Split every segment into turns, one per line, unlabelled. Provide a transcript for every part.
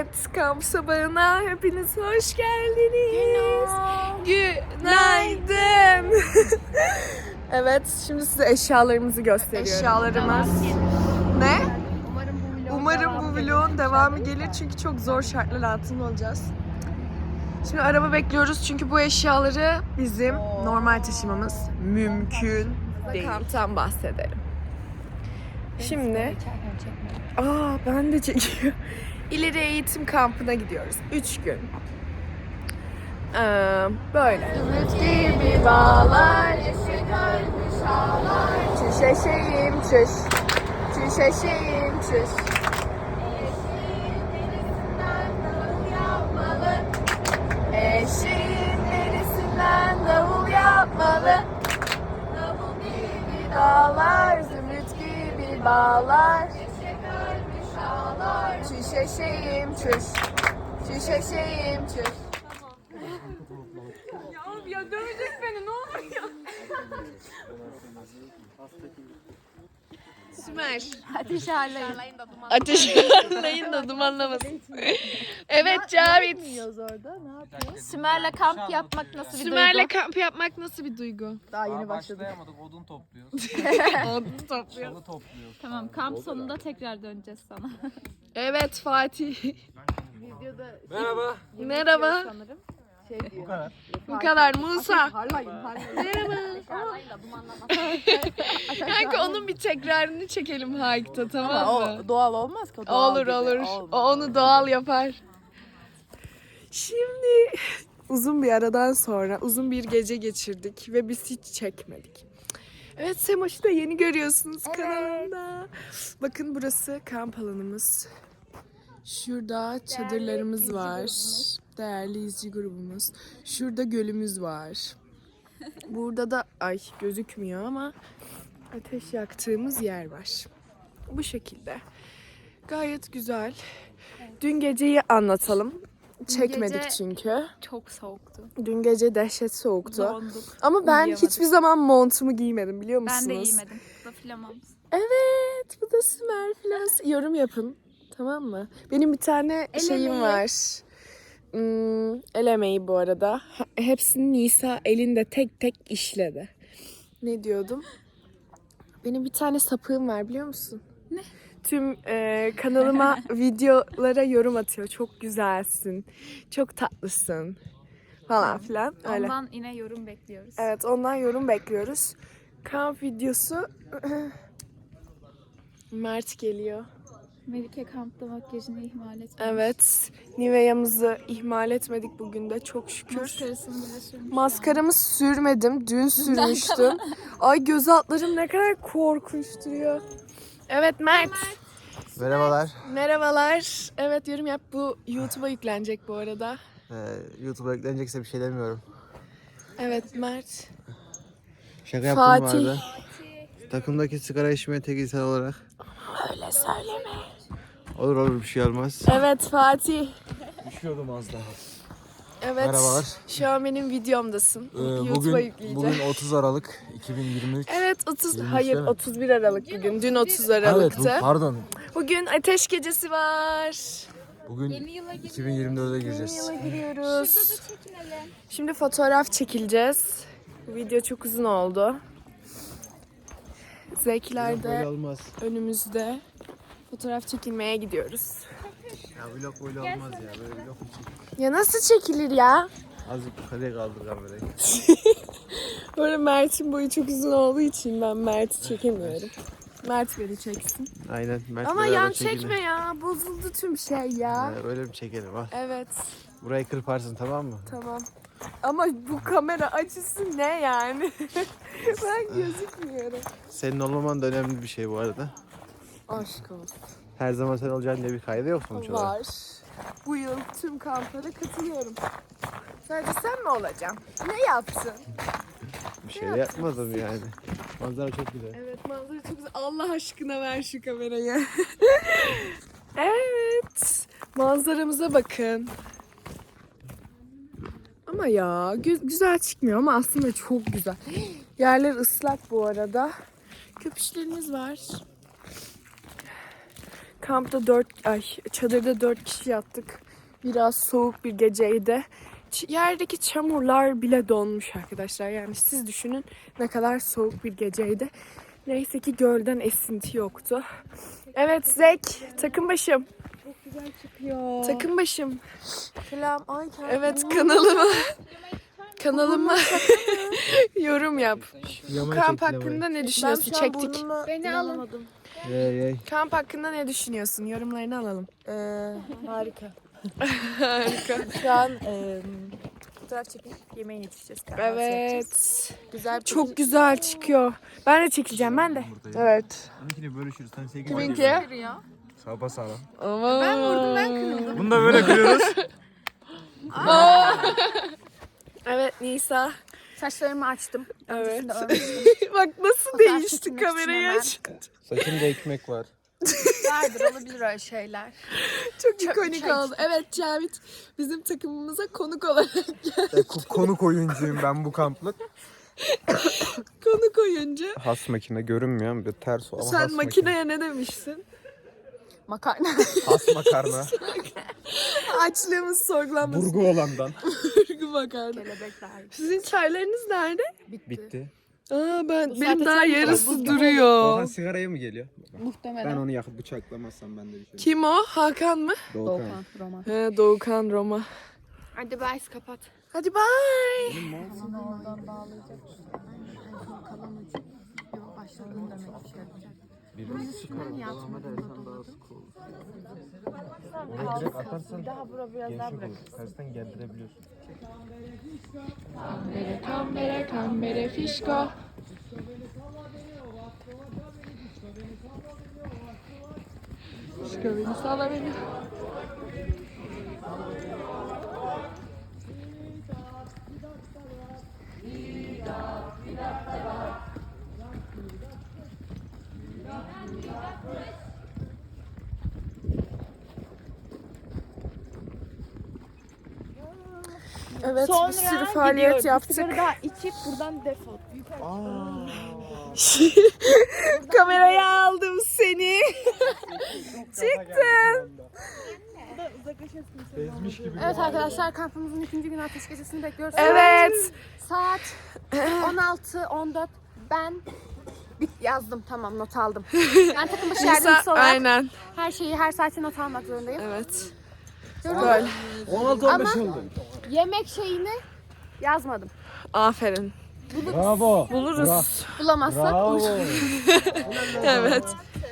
Evet, kamp sabahına hepiniz hoş geldiniz. Günaydın. Evet, şimdi size eşyalarımızı gösteriyorum. Eşyalarımız. Ne? Umarım bu vlogun devamı gelir çünkü çok zor şartlar altında olacağız. Şimdi araba bekliyoruz çünkü bu eşyaları bizim normal taşımamız mümkün değil. Kamptan bahsedelim. Şimdi, ben de çekiyorum. İleri eğitim kampına gidiyoruz. 3 gün. Böyle. Ümit gibi bağlar, eşek ölmüş ağlar. Çüş eşeğim çüş, çüş eşeğim çüş. Eşeğin derisinden davul yapmalı. Eşeğin derisinden davul yapmalı. Davul gibi dağlar, zümrüt gibi bağlar. Eşek ölmüş ağlar. Çüş eşeğim çüş, çüş eşeğim çüş. Ya dövecek beni, ne olur ya. Sümer.
Ateş harlayın.
Ateş harlayın da dumanlamasın. Evet Cavit.
Orada ne yapıyor? Sümer'le kamp yapmak nasıl bir
Sümer'le
duygu?
kamp yapmak nasıl bir duygu?
Daha yeni başladık.
Başlayamadık, odun topluyoruz.
Odun topluyor.
Çalı topluyoruz.
Tamam, kamp sonunda tekrar döneceğiz sana.
Evet Fatih.
Merhaba.
Merhaba.
Sanırım.
Bu kadar.
Bu kadar Musa.
Harlayın.
Merhaba. Kanka onun bir tekrarını çekelim hike'ta, tamam mı?
O doğal olmaz ki. O doğal
Olur
gibi.
olur.
Olmaz.
O onu doğal yapar. Şimdi uzun bir aradan sonra uzun bir gece geçirdik ve biz hiç çekmedik. Evet, Semoş'u da yeni görüyorsunuz kanalımda. Bakın burası kamp alanımız. Şurada çadırlarımız var. Değerli izci grubumuz. Şurada gölümüz var. Burada da gözükmüyor ama ateş yaktığımız yer var. Bu şekilde. Gayet güzel. Dün geceyi anlatalım. Çekmedik
gece-
çünkü.
Çok soğuktu.
Dün gece dehşet soğuktu.
Donduk.
Ama ben
Uyuyamadık.
hiçbir zaman montumu giymedim, biliyor musunuz?
Ben de giymedim. Bu da flamamız.
Evet, bu da Sümer Flas. Yorum yapın, tamam mı? Benim bir tane şeyim var. El emeği bu arada. Hepsini Nisa elinde tek tek işledi. Ne diyordum? Benim bir tane sapığım var, biliyor musun?
Ne?
Tüm kanalıma videolara yorum atıyor. Çok güzelsin, çok tatlısın falan filan. Öyle.
Ondan yine yorum bekliyoruz.
Evet, ondan yorum bekliyoruz. Kamp videosu. Mert geliyor.
Melike kampta makyajını ihmal etmiş.
Evet. Nivea'mızı ihmal etmedik bugün de, çok şükür.
Maskarasını bile sürmüş.
Maskaramı sürmedim. Dün sürmüştüm. Ay, göz altlarım ne kadar korkunç duruyor. Evet Mert.
Merhabalar.
Merhabalar. Evet, yorum yap. Bu YouTube'a yüklenecek bu arada.
YouTube'a yüklenecekse bir şey demiyorum.
Evet Mert.
Şaka yaptım
Fatih.
bu arada. Takımdaki sigara içmeye tek insan olarak.
Öyle söyleme.
Olur bir şey olmaz.
Evet Fatih.
Düşüyordum az daha.
Evet.
Merhabalar.
Şu an benim videomdasın. YouTube'a yükleyeceğim.
Bugün 30 Aralık 2023.
Evet 30.
23
Hayır,
değil mi?
31 Aralık bugün. Dün 30
Evet,
Aralık'tı.
pardon.
Bugün ateş gecesi var.
Bugün 2024'e gireceğiz.
Yıla giriyoruz. Şimdi fotoğraf çekileceğiz. Bu video çok uzun oldu. Zekiler
Böyle
de
olmaz.
önümüzde. Fotoğraf çekilmeye gidiyoruz.
Ya vlog böyle olmaz ya. Böyle vlog mu çekilir?
Ya nasıl çekilir ya?
Azıcık yukarıya kaldır kamerayı.
Böyle Mert'in boyu çok uzun olduğu için ben Mert'i çekemiyorum. Mert beni çeksin.
Aynen. Mert
Ama
beraber
yan
çekelim.
çekme ya. Bozuldu tüm şey ya.
Öyle mi çekelim al.
Evet.
Burayı kırparsın, tamam mı?
Tamam. Ama bu kamera açısı ne yani? Ben gözükmüyorum.
Senin olmaman da önemli bir şey bu arada.
Aşk olsun.
Her zaman sen olacaksın diye bir kaydı yok sonuç olarak.
Var. Bu yıl tüm kamplara katılıyorum. Sadece sen mi olacaksın? Ne yaptın?
Bir şey de yapmadım yani. Manzara çok güzel.
Evet, manzara çok güzel. Allah aşkına ver şu kamerayı. Evet. Manzaramıza bakın. Ama ya güzel çıkmıyor ama aslında çok güzel. Yerler ıslak bu arada. Köpüşlerimiz var. Kampta çadırda 4 kişi yattık. Biraz soğuk bir geceydi. Yerdeki çamurlar bile donmuş arkadaşlar. Yani siz düşünün ne kadar soğuk bir geceydi. Neyse ki gölden esinti yoktu. Evet Zek, takım başım.
Çok güzel çıkıyor.
Takım başım.
Selam. Ay
Evet kanalıma yorum yap. Bu kamp hakkında ne düşünüyorsun? Çektik.
Beni alın.
Kamp hakkında ne düşünüyorsun? Yorumlarını alalım.
Harika.
Harika.
Şu an fotoğraf çekip yemeğe yetişeceğiz.
Evet.
Güzel.
Çok güzel çıkıyor. Ben de çekeceğim ben de. Evet.
Onunkini bölüşürüz. Sen sevgili.
Kiminki?
Sağ sağlam.
Ama...
Ben vurdum, ben kırıldım.
Bunu da böyle kırıyoruz.
Evet Nisa.
Saçlarımı açtım.
Evet.
Öncesinde örmüştüm.
Bak nasıl
Fotoğraf
değişti
çekilmek
kamerayı
için
aç.
Saçımda ekmek var.
Vardır, olabilir öyle şeyler.
Çok ikonik oldu. Evet Cavit bizim takımımıza konuk olarak
Konuk oyuncuyum ben bu kamplık.
konuk oyuncu.
Has makine görünmüyor ama bir ters o ama
Sen
has
makineye ne demiştin?
Makarna.
Has makarna.
Açlığımız sorgulanmasın.
Burgu olandan.
Burgu makarna.
Kelebekler.
Sizin çaylarınız nerede?
Bitti.
Aa benim
saatte
daha
çay
yarısı
var.
duruyor.
Doğan sigaraya mı geliyor?
Muhtemelen.
Ben onu yakıp bıçaklamazsam ben de bir şey.
Kim o? Hakan mı?
Doğukan.
Roman.
He Doğukan Roma.
Hadi bye, kapat.
Hadi bye.
Oradan bağlayacak. Kalan ucu. Yok, başladığını demek ki yapacak. Üstünden yatma.
Direkt atarsan
Bir daha bura biraz daha bırak.
tersten gerdirebiliyorsun.
Kambere fişko. Fişko beni salla beni. Evet bir sürü faaliyet yaptık.
Daha içip buradan defol.
Kameraya aldım seni. Çıktın.
Evet arkadaşlar, kampımızın 2. günü ateş gecesini bekliyoruz.
Evet.
Saat 16-14. Ben yazdım, tamam, not aldım. Ben takım başı yardımcısı olarak
Aynen.
her şeyi her saate not almak zorundayım.
Evet.
Gördün mü?
Böyle.
16-15 oldu.
Yemek şeyini yazmadım.
Aferin.
Bravo.
Buluruz.
Bulamazsak
Evet.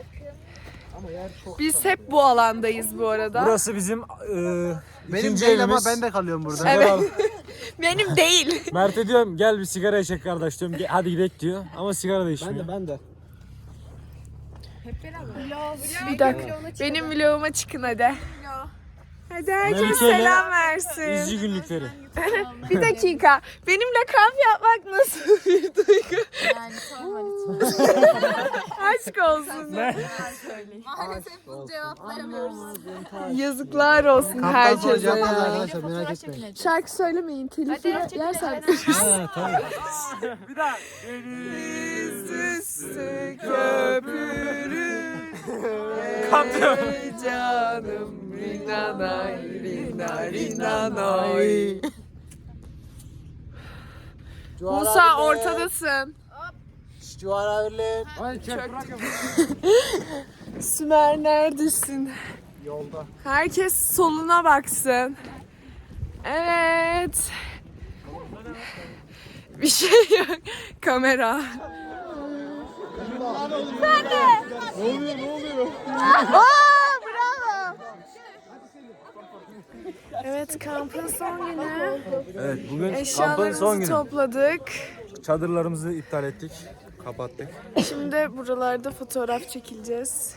Biz hep bu alandayız bu arada.
Burası bizim
Benim
ikinci
değil ama
evimiz.
ben de kalıyorum burada.
Evet. Benim değil.
Mert'e diyorum gel bir sigara içek kardeş diyorum. Hadi gidelim diyor ama sigara da içmiyor.
Ben de.
Bir dakika. Benim vloguma çıkın hadi. Hadi herkes
Melike'yle
selam versin.
İzci günlükleri.
Bir dakika. Benimle kamp yapmak nasıl bir duygu?
yani sorma.
Aşk olsun.
Maalesef bu cevap veremiyoruz.
Yazıklar olsun herkese ya.
arkadaşlar merak etmeyin.
Şarkı söylemeyin. Telif yersen.
Ha tamam.
Deniz üstü köpürür.
Kamp diyor.
Ey canım rinanay rina rinanay. Musa ortadasın. Sümer neredesin?
Yolda.
Herkes soluna baksın. Evet. Bir şey yok. Kamera. Sen de.
Ne oluyor?
Aa, bravo. Evet kampın son günü.
Evet bugün kampın son
Eşyalarımızı
günü.
topladık.
Çadırlarımızı iptal ettik. Kapattık.
Şimdi buralarda fotoğraf çekileceğiz.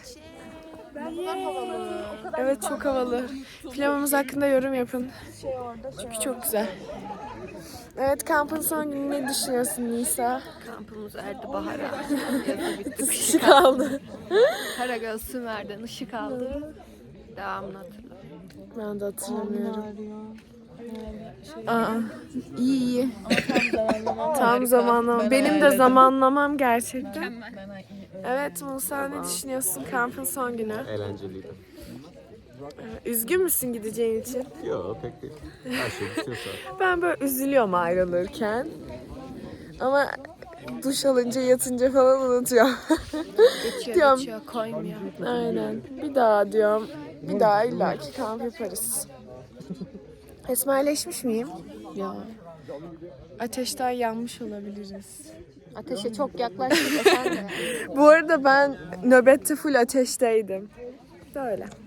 Evet çok havalı. Filmimiz hakkında yorum yapın. Çünkü çok güzel. Evet kampın son günü ne düşünüyorsun Nisa?
Kampımız erdi bahara.
Kışı kaldı.
Karagöz Sümer'den ışık aldı. Devamını hatırla.
Ben de hatırlamıyorum. Aa, iyi. Tam zamanlama. Benim de zamanlamam gerçekten. Evet Musa, ne düşünüyorsun kampın son günü?
Eğlenceliydi.
Üzgün müsün gideceğin için?
Yok pek değil. Her şey bitiyorsa.
Ben böyle üzülüyorum ayrılırken. Ama duş alınca yatınca falan unutuyorum. Diyorum.
Geçiyor, koymuyor.
Aynen. Bir daha diyorum. Bir daha illaki kamp yaparız. Esmerleşmiş miyim?
Ya.
Ateşten yanmış olabiliriz.
Ateşe çok yaklaştık efendim.
Bu arada ben nöbette full ateşteydim. Böyle.